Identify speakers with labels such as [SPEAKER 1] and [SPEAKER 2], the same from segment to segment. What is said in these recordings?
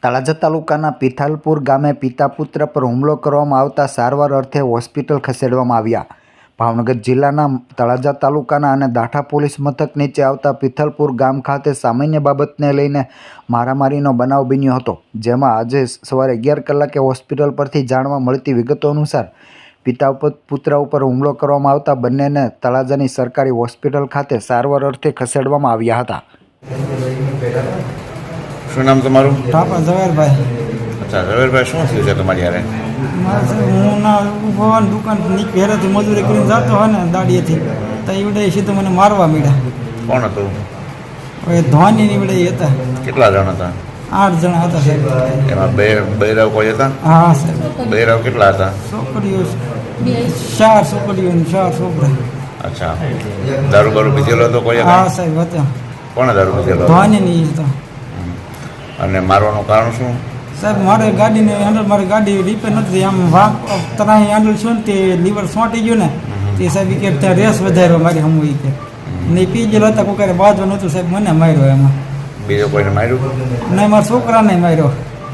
[SPEAKER 1] તળાજા તાલુકાના પિથાલપુર ગામે પિતા પુત્ર પર હુમલો કરવામાં આવતા સારવાર અર્થે હોસ્પિટલ ખસેડવામાં આવ્યા. ભાવનગર જિલ્લાના તળાજા તાલુકાના અને દાઠા પોલીસ મથક નીચે આવતા પિથાલપુર ગામ ખાતે સામાન્ય બાબતને લઈને મારામારીનો બનાવ બન્યો હતો, જેમાં આજે સવારે 11 કલાકે હોસ્પિટલ પરથી જાણવા મળતી વિગતો અનુસાર પિતા પુત્ર ઉપર હુમલો કરવામાં આવતા બંનેને તળાજાની સરકારી હોસ્પિટલ ખાતે સારવાર અર્થે ખસેડવામાં આવ્યા હતા.
[SPEAKER 2] શું નામ તમારું?
[SPEAKER 3] ઠાપા ઝવેરભાઈ.
[SPEAKER 2] અચ્છા, ઝવેરભાઈ, શું થયું છે તમારી યારે?
[SPEAKER 3] હું ના ભવાની દુકાન ઘેરેથી મજૂરી કરીને જતો હોય ને દાડીએથી, તો એવડે સીધું મને મારવા મળ્યા.
[SPEAKER 2] કોણ હતું?
[SPEAKER 3] હવે ધોની નીવડે હતા.
[SPEAKER 2] કેટલા જણ હતા?
[SPEAKER 3] 8 જણા હતા સાહેબ.
[SPEAKER 2] એમાં બૈરાવ કોઈ હતા?
[SPEAKER 3] હા સાહેબ.
[SPEAKER 2] બૈરાવ કેટલા હતા?
[SPEAKER 3] છોકરીઓ 4 છોકરીઓ ને 4 છોકરા.
[SPEAKER 2] અચ્છા, દારૂ બારૂ પીધેલો હતો કોઈ?
[SPEAKER 3] હા સાહેબ હતા.
[SPEAKER 2] કોણે દારૂ પીધેલો?
[SPEAKER 3] ધોની ની હતા.
[SPEAKER 2] અને મારવાનું કારણ શું?
[SPEAKER 3] સાહેબ મારે ગાડીને હેન્ડલ, મારી ગાડી રિપેર નથી, આમ વાંક તરાહી હેન્ડલ છું ને તે લીવર સોંટી ગયું ને તે સાહેબ કે ત્યાં રેસ વધાર્યો મારી હમ એ કે નહીં પી ગયેલો હતા, કોઈ બાજુ નહોતું સાહેબ, મને માર્યો એમાં.
[SPEAKER 2] બીજો કોઈને માર્યું?
[SPEAKER 3] નહીં, મારા છોકરાને માર્યો.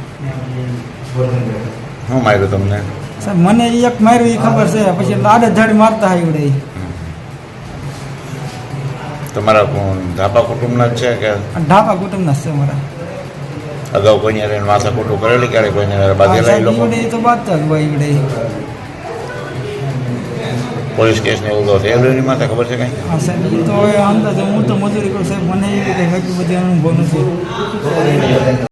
[SPEAKER 2] શું માર્યું તમને?
[SPEAKER 3] સાહેબ મને એક માર્યું એ ખબર છે, પછી આડે ધડ મારતા હોય એવડે.
[SPEAKER 2] તમારા ધાપા કુટુંબના જ છે કે?
[SPEAKER 3] ઢાપા કુટુંબના છે મારા.
[SPEAKER 2] અગાઉ કોઈને માથા ખોટું કરેલી ક્યારે? કોઈને બાંધેલા એ લોકો?
[SPEAKER 3] તો બાંધતા જ હોય એવડે.
[SPEAKER 2] પોલીસ કેસ ને એવું તો થયેલું એની માથે ખબર છે કંઈ?
[SPEAKER 3] હા સાહેબ, એ તો હવે અંદાજે હું તો મજૂરી કરું સાહેબ, મને એવી કંઈ બધી અનુભવ નથી.